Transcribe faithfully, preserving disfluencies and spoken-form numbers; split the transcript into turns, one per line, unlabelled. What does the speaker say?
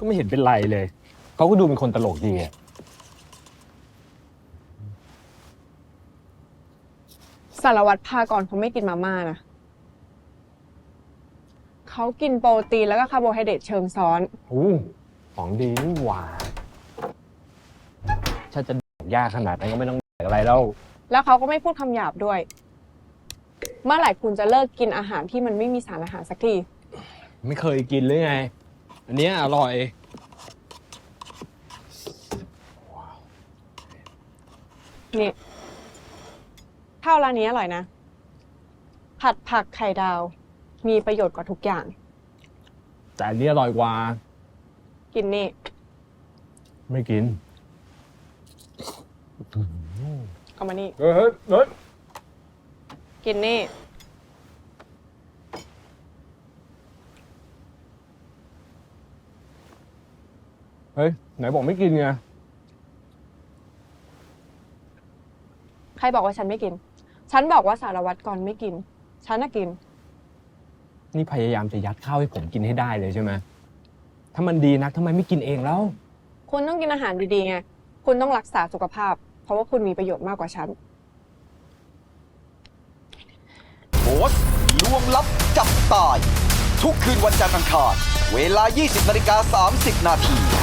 ก็ไม่เห็นเป็นไรเลย เขาก็ดูเป็นคนตลกดีอะ
สารวัตรพากรเขาไม่กินมาม่านะเขากินโปรตีนแล้วก็คาร์โบไฮเดรตเชิงซ้อน
อู้ของดีนี่หว่าถ้าจะยากขนาดนั้นก็ไม่ต้องอะไรแล้ว
แล้วเขาก็ไม่พูดคำหยาบด้วย เมื่อไหร่คุณจะเลิกกินอาหารที่มันไม่มีสารอาหารสักที
ไม่เคยกินหรือไง อันเนี้ยอร่อย
นี่ข้าวร้านนี้อร่อยนะ ผัดผักไข่ดาว มีประโยชน์กว่าทุกอย่าง
แต่อันนี้อร่อยกว่า
กินนี่
ไม่กิน
เอามานี่
เฮ้ยเฮ้ยเฮ้ย
กินนี่
เฮ้ยไหนบอกไม่กินไง
ใครบอกว่าฉันไม่กิน ฉันบอกว่าสารวัตรกรไม่กิน ฉันน่ะกิน
นี่พยายามจะยัดข้าวให้ผมกินให้ได้เลยใช่ไหมถ้ามันดีนักทำไมไม่กินเองแล้ว
คุณต้องกินอาหารดีๆไง คุณต้องรักษาสุขภาพ เพราะว่าคุณมีประโยชน์มากกว่าฉัน
โพสต์ลวงลับจับตาย ทุกคืนวันจันทร์อังคารเวลา ยี่สิบนาฬิกาสามสิบนาที